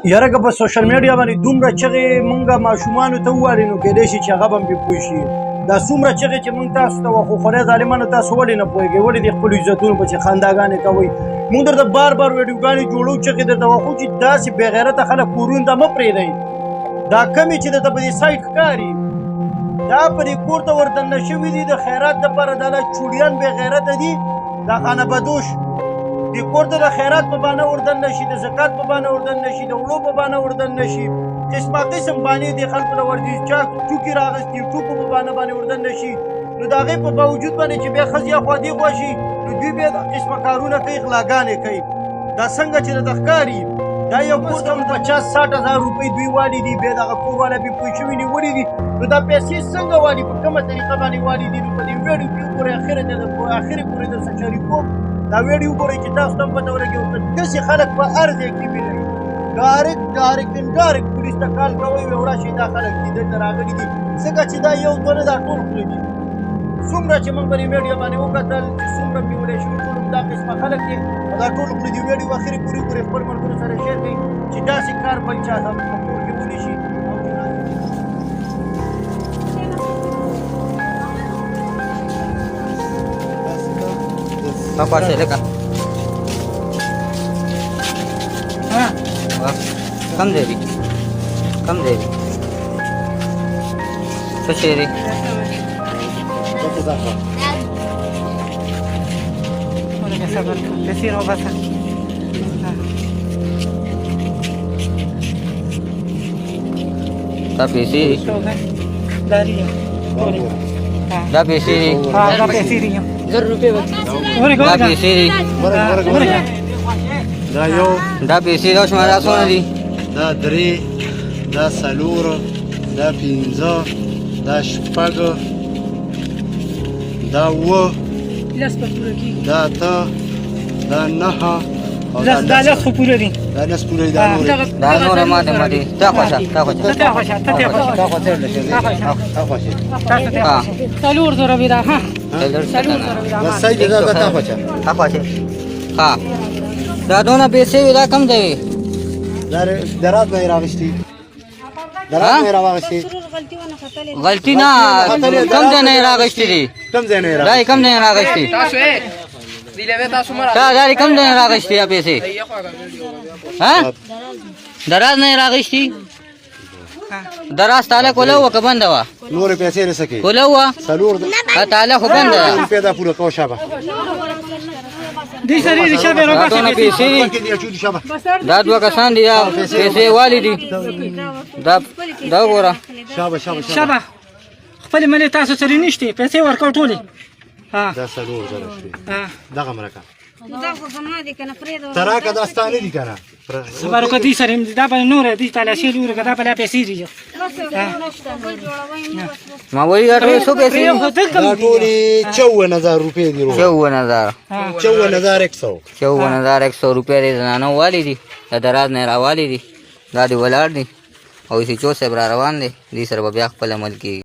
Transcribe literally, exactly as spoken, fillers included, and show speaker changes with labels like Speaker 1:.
Speaker 1: یاره که په سوشل میډیا باندې دومره چغې مونږه ماشومانو ته ووایو نو کیدای شي چې هغه به هم پرې پوه شي. دا څومره چغې چې مونږ تاسو ته وخو خدای ظالمانو تاسو ولې نه پوهېږئ؟ ولې د خپلو عزتونو پسې خنداګانې کوئ؟ مونږ درته بار بار ویډیوګانې جوړو چغې درته وخو چې داسې بې غیرته خلک کورونو ته مه پرېږدئ. دا کمې چې درته په دې سایټ ښکاري دا په دې کور ته وردننه شوي دي د خیرات دپاره دا لا چوړیان بې غیرته دي. دا خانه بدوش دې کور ته د خیرات په بانه وردننه شي، د زکات په بانه وردننه شي، د وړو په بانه وردننه شي، قسمه قسم بانې دې خلکو له ورځي چا ټوکې راغستي ټوکو په بانه باندې وردننه شي. نو د هغې په باوجود باندې چې بیا ښځې اخوا دېخوا شي نو دوی بیا قسمه کارونه کوي، غلاګانې کوي. دا څنګه چې درته ښکاري دا یو کور ته پچاس ساټ هزار روپۍ دوی والي دي، بیا دغه کور والا بې پوه شوي نیولي دي. نو دا پیسې څنګه والي، په کومه طریقه باندې والي دي؟ نو په دې ویډیو کې وګورئ، اخره ته اخرې پورې درسره شریکوم. دا ویډیو وګورئ چې تاسو ته هم پته ولګي. داسې خلک په هر ځای کې وینئ، ډارک ډارک ډارک پولیس ته کال کوئ وایي راشئ دا خلک دي دلته راغلي دي. ځکه چې دا یو دوه نه دا ټول خوله دي. څومره چې موږ په دې میډیا باندې وکتل چې څومره نیولی شوي ټول دا قسمه خلک دي، دا ټول خوله دي. ویډیو اخرې پورې وګورئ، خپل ملګرو سره شیر کړئ چې داسې کار بل چا ته په کور کې ونې شي.
Speaker 2: Apa sih leka? Hah? Kam devi, kam devi. Seshiri.
Speaker 3: Boleh biasa kan? Kasih roba sah.
Speaker 2: Tapi sih.
Speaker 3: Dari ya. Boleh.
Speaker 2: Tapi sih.
Speaker 3: Ah, dari sini ya.
Speaker 2: Tapi sih.
Speaker 4: دا یو
Speaker 2: Tapi sih dos mana soni?
Speaker 4: دا درې دا څلور دا پنځه دا شپږ دا اووه دا اته دا نهه او دا
Speaker 3: دا لاس خو پوره دي.
Speaker 4: دا لس پوره دا نورې
Speaker 2: Da nore mate mate. Ta khoša, ta khoša.
Speaker 3: ته خوښه ته ته خوښه
Speaker 4: دا خو تېر لشي دا خوښه
Speaker 3: تاسو ته
Speaker 2: Ha.
Speaker 3: سلور زره بيدا ها سلور زره بيدا
Speaker 4: دا سید دا دا خوښه
Speaker 2: Ta khoša. Ha. Da dona پیسې ودا کم دی.
Speaker 4: دا درات نه راغشتي درات نه راغشتي
Speaker 2: غلطی نه کم ځای نه راغشتې دي.
Speaker 4: کم ځای نه
Speaker 2: دا
Speaker 4: راغشتي
Speaker 2: کم ځای نه راغشتې.
Speaker 5: تاسو یې دیلې تاسو مرا
Speaker 2: تا دا کم ځای نه راغشتې یا پیسې؟ ها؟ دراز نه راغشتې؟ دراز تعالی کوله و که بنده وه؟
Speaker 4: نورې پیسې رسکې
Speaker 2: کوله وه؟
Speaker 4: څلور
Speaker 2: تعالی خو بنده ده.
Speaker 4: روپۍ دا پوره کوه شابه
Speaker 3: دي سری دي شابه
Speaker 2: دا
Speaker 3: روبا
Speaker 2: دونه پیسې دي.
Speaker 4: کې دی اچو دي شابه
Speaker 2: دا دوه کسان دي دا پیسې والي دي. دا دا وګوره.
Speaker 4: شابه شابه
Speaker 3: شابه خپل ملي تاسو سره نشته پیسې ورکړ ټولې. ها
Speaker 4: دا څلور زره شوي
Speaker 3: ها
Speaker 4: دغه مرکه
Speaker 6: دا خو زما دي کنه پرې
Speaker 4: تراکه دا ستانه دي کنه
Speaker 3: سبارو کدي سره دا به نور دي تعالی شي لور کدا په پیسې دي.
Speaker 2: ما وایي دا ټول څو پیسې دي؟
Speaker 4: دا ټولې چون هزار روپۍ دي روز
Speaker 2: چون هزار.
Speaker 4: چون هزار یک سو
Speaker 2: چون هزار یک سو روپۍ د زنانو والی دي. د دراز نه راوالی دي. دا دې ولاړ دي او چې چو صاحب را روان دي دې سره به بیا خپل عمل کېږي.